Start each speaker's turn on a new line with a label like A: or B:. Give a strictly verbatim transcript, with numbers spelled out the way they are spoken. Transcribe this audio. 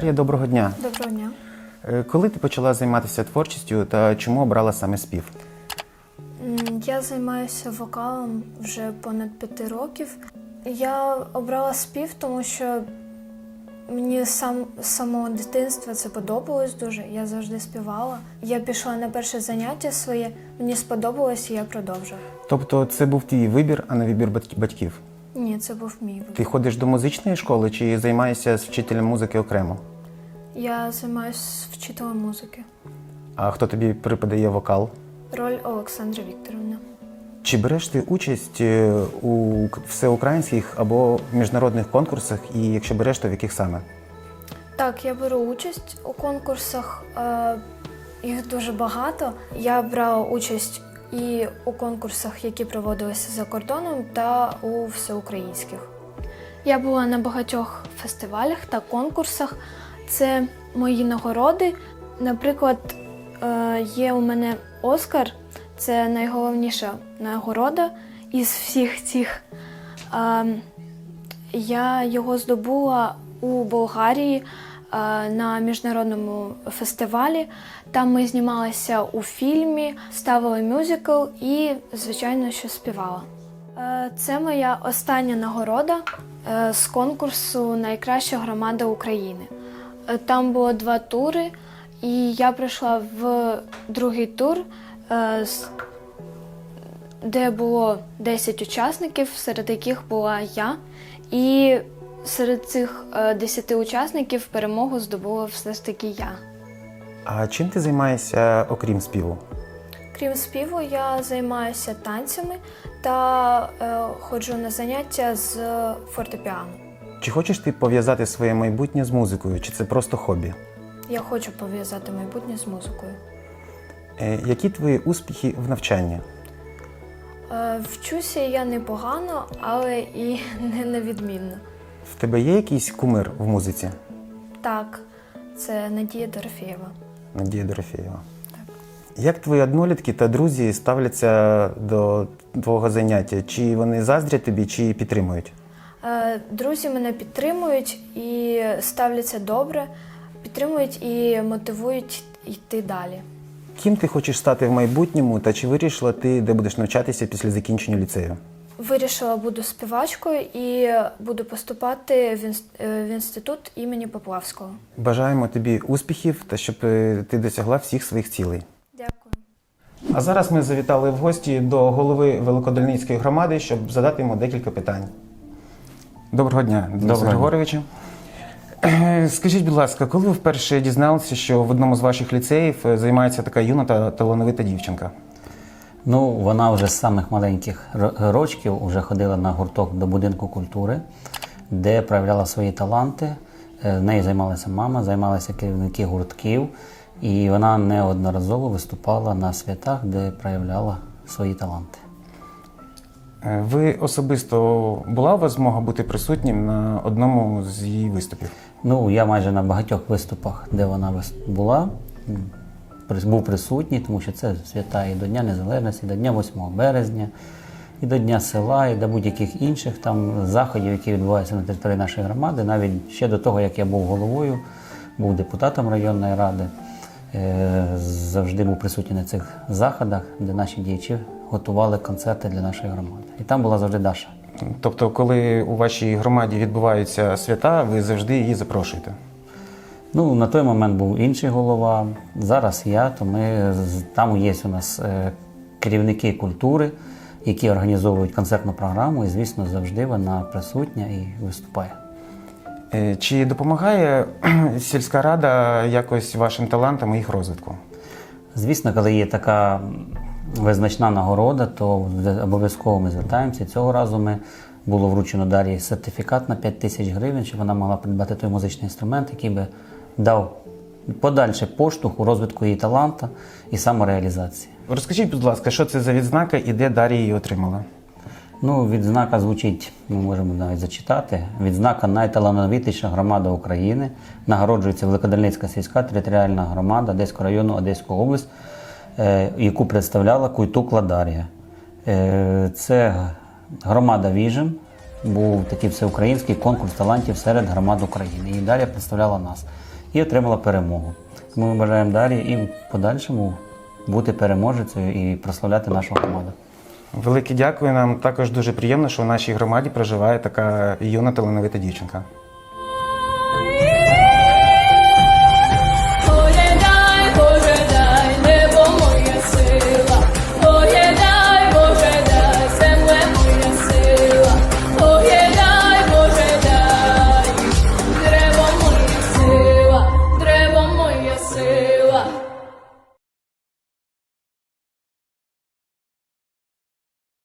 A: Дар'я, доброго дня.
B: Доброго дня.
A: Е, Коли ти почала займатися творчістю та чому обрала саме спів?
B: М, Я займаюся вокалом вже понад п'яти років. Я обрала спів, тому що мені сам, з самого дитинства це подобалось дуже. Я завжди співала. Я пішла на перше заняття своє, мені сподобалось і я продовжила.
A: Тобто це був твій вибір, а не вибір батьк- батьків?
B: Ні, це був мій вибір.
A: Ти ходиш до музичної школи чи займаєшся з вчителем музики окремо?
B: Я займаюся вчителем музики.
A: А хто тобі преподає вокал?
B: Роль Олександра Вікторівна.
A: Чи береш ти участь е, у к- всеукраїнських або міжнародних конкурсах, і якщо береш, то в яких саме?
B: Так, я беру участь у конкурсах, е, їх дуже багато. Я брала участь і у конкурсах, які проводилися за кордоном, та у всеукраїнських. Я була на багатьох фестивалях та конкурсах. Це мої нагороди. Наприклад, е, є у мене Оскар, це найголовніша нагорода із всіх цих. Е, Я його здобула у Болгарії е, на міжнародному фестивалі. Там ми знімалися у фільмі, ставили мюзикл і, звичайно, що співала. Е, Це моя остання нагорода е, з конкурсу «Найкраща громада України». Е, Там було два тури, і я прийшла в другий тур, е, з- де було десять учасників, серед яких була я. І серед цих е, десяти учасників перемогу здобула все ж таки я.
A: А чим ти займаєшся, окрім співу?
B: Крім співу, я займаюся танцями та е, ходжу на заняття з фортепіано.
A: Чи хочеш ти пов'язати своє майбутнє з музикою, чи це просто хобі?
B: Я хочу пов'язати майбутнє з музикою.
A: Е, Які твої успіхи в навчанні?
B: Е, Вчуся я непогано, але і не невідмінно.
A: В тебе є якийсь кумир в музиці?
B: Так, це Надія Дорофєєва.
A: Надія Дорофєєва. Як твої однолітки та друзі ставляться до твого заняття? Чи вони заздрять тобі, чи підтримують?
B: Е, Друзі мене підтримують і ставляться добре, підтримують і мотивують йти далі.
A: Ким ти хочеш стати в майбутньому, та чи вирішила ти, де будеш навчатися після закінчення ліцею?
B: Вирішила, буду співачкою і буду поступати в інс- е, в інститут імені Поплавського.
A: Бажаємо тобі успіхів та щоб е, ти досягла всіх своїх цілей.
B: Дякую.
A: А зараз ми завітали в гості до голови Великодольницької громади, щоб задати йому декілька питань. Доброго дня, Денис
C: Доброго.
A: Григоровичу. Е, Скажіть, будь ласка, коли ви вперше дізналися, що в одному з ваших ліцеїв е, займається така юна та талановита дівчинка?
C: Ну, вона вже з самих маленьких ро- рочків вже ходила на гурток до будинку культури, де проявляла свої таланти. Е, В неї займалася мама, займалися керівники гуртків, і вона неодноразово виступала на святах, де проявляла свої таланти.
A: Е, Ви особисто була у вас змога бути присутнім на одному з її виступів?
C: Ну, я майже на багатьох виступах, де вона вис- була, м, прис- був присутній, тому що це свята і до Дня Незалежності, і до Дня восьмого березня, і до Дня села, і до будь-яких інших там заходів, які відбуваються на території нашої громади. Навіть ще до того, як я був головою, був депутатом районної ради, е, завжди був присутній на цих заходах, де наші діячі готували концерти для нашої громади. І там була завжди Даша.
A: Тобто, коли у вашій громаді відбуваються свята, ви завжди її запрошуєте?
C: Ну, на той момент був інший голова, зараз я, то ми, з- там є у нас е, керівники культури, які організовують концертну програму, і, звісно, завжди вона присутня і виступає.
A: Е, Чи допомагає кхм, сільська рада якось вашим талантам і їх розвитку?
C: Звісно, коли є така визначна нагорода, то обов'язково ми звертаємося. Цього разу ми було вручено Дар'ї сертифікат на п'ять тисяч гривень, щоб вона могла придбати той музичний інструмент, який би дав подальший поштовх у розвитку її таланту і самореалізації.
A: Розкажіть, будь ласка, що це за відзнака і де Дар'я її отримала?
C: Ну, відзнака звучить, ми можемо навіть зачитати. Відзнака «Найталановитіша громада України». Нагороджується Великодольницька сільська територіальна громада Одеського району, Одеської області, е, яку представляла Куйтукла Дар'я. Е, це громада «Віжен», був такий всеукраїнський конкурс талантів серед громад України. І Дар'я представляла нас. і отримала перемогу. Тому ми бажаємо далі і в подальшому бути переможецею і прославляти нашу громаду.
A: Велике дякую. Нам також дуже приємно, що в нашій громаді проживає така юна талановита дівчинка.